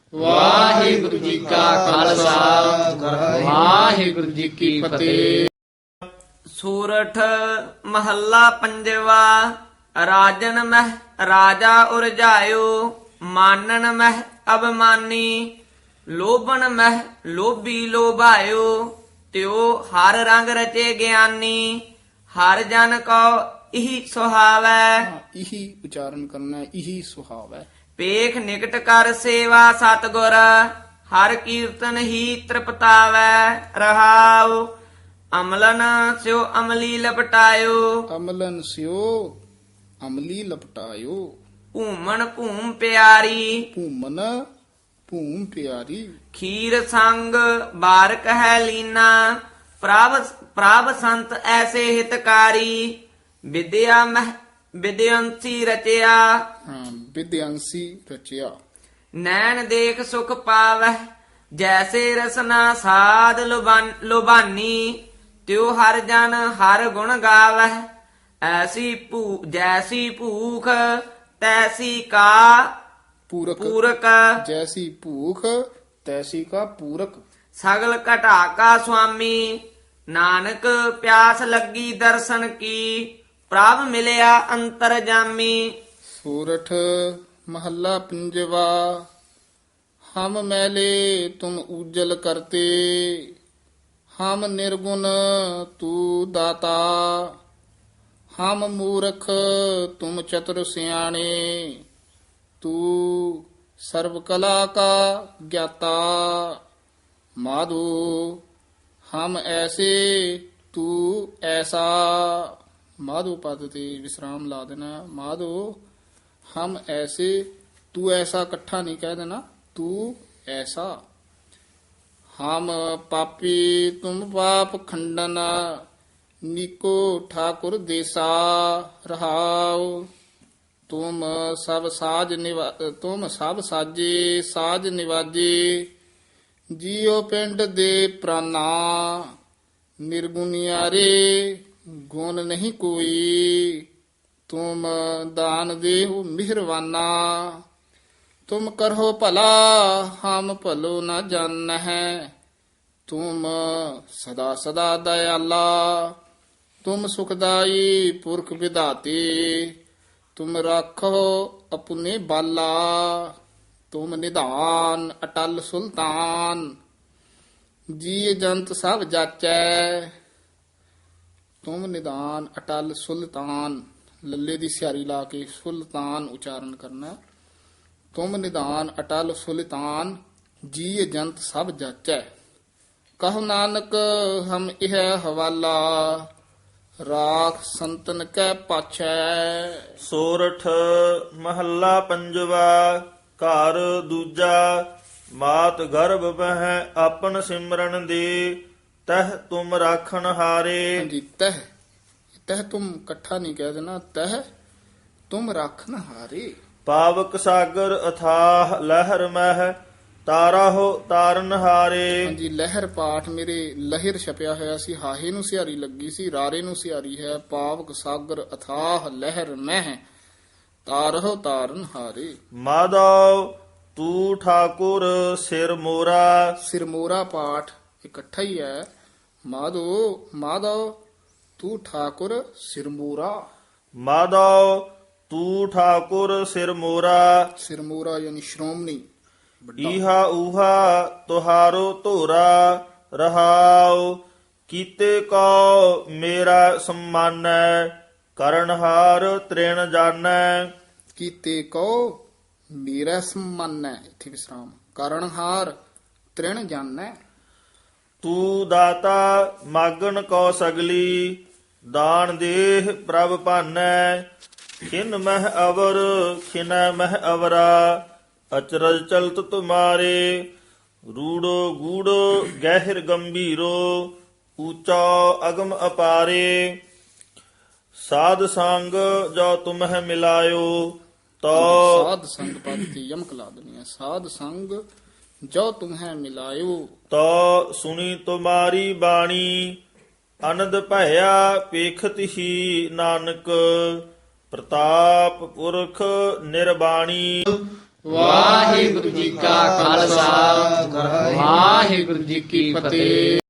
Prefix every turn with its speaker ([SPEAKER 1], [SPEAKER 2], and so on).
[SPEAKER 1] ਵਾਹਿਗੁਰੂ ਜੀ ਕਾ ਖਾਲਸਾ ਵਾਹਿਗੁਰੂ ਜੀ ਕੀ ਫਤਿਹ।
[SPEAKER 2] ਸੂਰਠ ਮਹੱਲਾ ਪੰਜਵਾ। ਰਾਜਨ ਮਹਿ ਰਾਜਾ ਉਰਜਾਇਓ, ਮਾਨਨ ਮਹਿ ਅਬਮਾਨੀ। ਲੋਭਨ ਮਹਿ ਲੋਭੀ ਲੋਭਾਇਓ, ਤਿਉ ਹਰ ਰੰਗ ਰਚੇ ਗਿਆਨੀ। ਹਰ ਜਨ ਕੋ ਇਹੀ ਸੁਹਾਵੈ,
[SPEAKER 1] ਇਹੀ ਉਚਾਰਨ ਕਰਨਾ ਹੈ, ਇਹੀ ਸੁਹਾਵੈ।
[SPEAKER 2] ਪੇਖ ਨਿਕਟ ਕਰ ਸੇਵਾ ਸਤਿਗੁਰ, ਹਰ ਕੀਰਤਨ ਹੀ ਤ੍ਰਿਪਤਾਵੈ। ਰਹਾਉ ਅਮਲਨ ਸਿਓ ਅਮਲੀ ਲਪਟਾਇਓ,
[SPEAKER 1] ਅਮਲਨ ਸਿਓ ਅਮਲੀ ਲਪਟਾਇਓ।
[SPEAKER 2] ਭੂਮਣ ਭੂਮ ਪਿਆਰੀ।
[SPEAKER 1] ਭੂਮਨ ਭੂਮ ਪਿਆਰੀ।
[SPEAKER 2] ਖੀਰ ਸੰਗ ਬਾਰਕ ਹੈ ਲੀਨਾ, ਪ੍ਰਭ ਸੰਤ ਐਸੇ ਹਿਤਕਾਰੀ। ਵਿਦਿਆ ਮਹਿ ਵਿਦਿਅੰਸੀ ਰਚਿਆ,
[SPEAKER 1] ਹਾਂ, ਵਿਦਿਆੰਸੀ ਰਚਿਆ।
[SPEAKER 2] ਨੈਣ ਦੇਖ ਸੁਖ ਪਾਵਹਿ, ਜੈਸੇ ਰਸਨਾ ਸਾਧ ਲੁਬਾਨੀ। ਤਿਉ ਹਰ ਜਨ ਹਰ ਗੁਣ ਗਾਵਹਿ, ਜੈਸੀ ਭੂਖ ਤੈਸੀ ਕਾ
[SPEAKER 1] ਪੂਰਕ
[SPEAKER 2] ਪੂਰਕ।
[SPEAKER 1] ਜੈਸੀ ਭੂਖ ਤੈਸੀ ਕਾ ਪੂਰਕ।
[SPEAKER 2] ਸਗਲ ਘਟਾ ਕਾ ਸੁਆਮੀ, ਨਾਨਕ ਪਿਆਸ ਲੱਗੀ ਦਰਸ਼ਨ ਕੀ। ਪ੍ਰਭ ਮਿਲਿਆ ਅੰਤਰ ਜਾਮੀ।
[SPEAKER 1] ਸੂਰਠ ਮਹੱਲਾ ਪੰਜਵਾ। ਹਮ ਮੈਲੇ ਤੁਮ ਉਜਲ ਕਰਤੇ, ਹਮ ਨਿਰਗੁਣ ਤੂ ਦਾਤਾ। ਹਮ ਮੂਰਖ ਤੁਮ ਚਤੁਰ ਸਿਆਣੇ, ਤੂ ਸਰਬ ਕਲਾ ਕਾ ਗਿਆਤਾ। ਮਾਧੋ ਹਮ ਐਸੇ ਤੂ ਐਸਾ। ਮਾਧੋ ਪਦ ਤੇ ਵਿਸਰਾਮ ਲਾ ਦੇਣਾ। ਮਾਧੋ ਹਮ ਐਸੇ ਤੂ ਐਸਾ ਇਕੱਠਾ ਨਹੀਂ ਕਹਿ ਦੇਣਾ, ਤੂ ਐਸਾ। ਹਮ ਪਾਪੀ ਤੁਮ ਪਾਪ ਖੰਡਨ, ਨੀਕੋ ਠਾਕੁਰ ਦੇਸਾ। ਰਹਾਉ ਤੁਮ ਸਭ ਸਾਜੇ ਸਾਜ ਨਿਵਾਜੇ। ਜੀਉ ਪਿੰਡ ਦੇ ਪ੍ਰਾਨਾ, ਨਿਰਗੁਣਿਆਰੇ ਗੁਣ ਨਹੀਂ ਕੋਈ। ਤੁਮ ਦਾਨ ਦੇਹੁ ਮਿਹਰਵਾਨਾ, ਤੁਮ ਕਰੋ ਭਲਾ ਹਮ ਭਲੋ ਨ ਜਾਣਹਿ। ਤੁਮ ਸਦਾ ਸਦਾ ਦਇਆਲਾ, ਤੁਮ ਸੁਖਦਾਈ ਪੁਰਖ ਵਿਧਾਤੇ। ਤੁਮ ਰਾਖੋ ਆਪਣੇ ਬਾਲਾ, ਤੁਮ ਨਿਧਾਨ ਅਟਲ ਸੁਲਤਾਨ। ਜੀ ਜੰਤ ਸਭ ਜਾਚੈ, ਤੁਮ ਨਿਧਾਨ ਅਟਲ ਸੁਲਤਾਨ। ਲੱਲੇ ਦੀ ਸਿਆਰੀ ਲਾ ਕੇ ਸੁਲਤਾਨ ਉਚਾਰਨ ਕਰਨਾ। ਤੁਮ ਨਿਧਾਨ ਅਟਲ ਸੁਲਤਾਨ, ਜੀ ਜੰਤ ਸਭ ਜਾਚੈ। ਕਹੋ ਨਾਨਕ ਹਮ ਇਹ ਹਵਾਲਾ, ਰਾਖ ਸੰਤਨ ਕੈ ਪਾਛੈ।
[SPEAKER 3] ਸੋਰਠ ਮਹੱਲਾ ਪੰਜਵਾ। ਘਰ ਦੂਜਾ। ਮਾਤ ਗਰਭ ਬਹਿ ਆਪਨ ਸਿਮਰਨ ਦੇ, ਤਹ ਤੁਮ ਰਾਖਣ ਹਾਰੇ।
[SPEAKER 1] ਹਾਂਜੀ, ਤਹ ਤਹ ਤੁਮ ਇਕੱਠਾ ਨਹੀਂ ਕਹਿ ਦੇਣਾ, ਤਹ ਤੁਮ ਰਾਖਨ ਹਾਰੇ।
[SPEAKER 3] ਪਾਵਕ ਸਾਗਰ ਅਥਾਹ ਲਹਿਰ ਮਹਿ, ਤਾਰਾ ਹੋ ਤਾਰਨ ਹਾਰੇ।
[SPEAKER 1] ਹਾਂਜੀ, ਲਹਿਰ ਪਾਠ ਮੇਰੇ ਲਹਿਰ ਛਪਿਆ ਹੋਇਆ ਸੀ, ਹਾਹੇ ਨੂੰ ਸਿਹਾਰੀ ਲੱਗੀ ਸੀ, ਰਾਰੇ ਨੂੰ ਸਿਹਾਰੀ ਹੈ। ਪਾਵਕ ਸਾਗਰ ਅਥਾਹ ਲਹਿਰ ਮਹਿ, ਤਾਰਹੁ ਤਾਰਨ ਹਾਰੇ।
[SPEAKER 3] ਮਾਧਵ ਤੂ ਠਾਕੁਰ ਸਿਰ ਮੋਰਾ।
[SPEAKER 1] ਸਿਰਮੋਰਾ ਪਾਠ ਇਕੱਠਾ ਹੀ ਹੈ। ਮਾਧਵ ਤੂੰ ਠਾਕੁਰ ਸਿਰਮੋਰਾ।
[SPEAKER 3] ਮਾਧਵ ਤੂ ਠਾਕੁਰ ਸਿਰ ਮੋਰਾ।
[SPEAKER 1] ਸਿਰਮੋਰਾ ਯਾਨੀ ਸ਼੍ਰੋਮਣੀ ਵੱਡਾ।
[SPEAKER 3] ਈਹਾ ਊਹਾ ਤੁਹਾਰੋ ਧੋਰਾ। ਰਹਾਉ ਕੀਤੇ ਕੋ ਮੇਰਾ ਸਮਾਨੈ, ਕਰਨਹਾਰ ਤ੍ਰਿਣ ਜਾਣੈ।
[SPEAKER 1] ਕੀਤੇ ਕੋ ਮੇਰਾ ਸਮਾਨੈ, ਇੱਥੇ ਵਿਸਰਾਮ। ਕਾਰਣਹਾਰ ਤ੍ਰਿਣ ਜਾਣੈ।
[SPEAKER 3] ਤੂ ਦਾਤਾ ਮਾਗਣ ਕੋ ਸਗਲੀ, ਦਾਨ ਦੇਹ ਪ੍ਰਭ ਭਾਨੈ। ਖਿਨ ਮਹਿ ਅਵਰ ਖਿਨੈ ਮਹਿ ਅਵਰਾ, ਅਚਰਜ ਚਲਤ ਤੁਮਾਰੇ। ਰੂੜੋ ਗੂੜੋ ਗਹਿਰ ਗੰਭੀਰੋ, ਊਚਾ ਅਗਮ ਅਪਾਰੇ। ਸਾਧ ਸੰਗ ਜੋ ਤੁਮਹਿ ਮਿਲਾਇਓ, ਤੋ
[SPEAKER 1] ਸਾਧ ਸੰਗ ਪਦ ਤੇ ਯਮਕ ਲਾ ਦੇਣੀ ਹੈ। ਸਾਧ ਸੰਗ ਜੋ ਤੁਮਹਿ ਮਿਲਾਇਓ,
[SPEAKER 3] ਤੋ ਸੁਣੀ ਤੁਮਾਰੀ ਬਾਣੀ। ਅਨੰਦ ਭਇਆ ਪੇਖਤ ਹੀ ਨਾਨਕ, ਪ੍ਰਤਾਪ ਪੁਰਖ ਨਿਰਬਾਣੀ।
[SPEAKER 1] ਵਾਹਿਗੁਰੂ ਜੀ ਕਾ ਖਾਲਸਾ ਵਾਹਿਗੁਰੂ ਜੀ ਕੀ ਫਤਿਹ।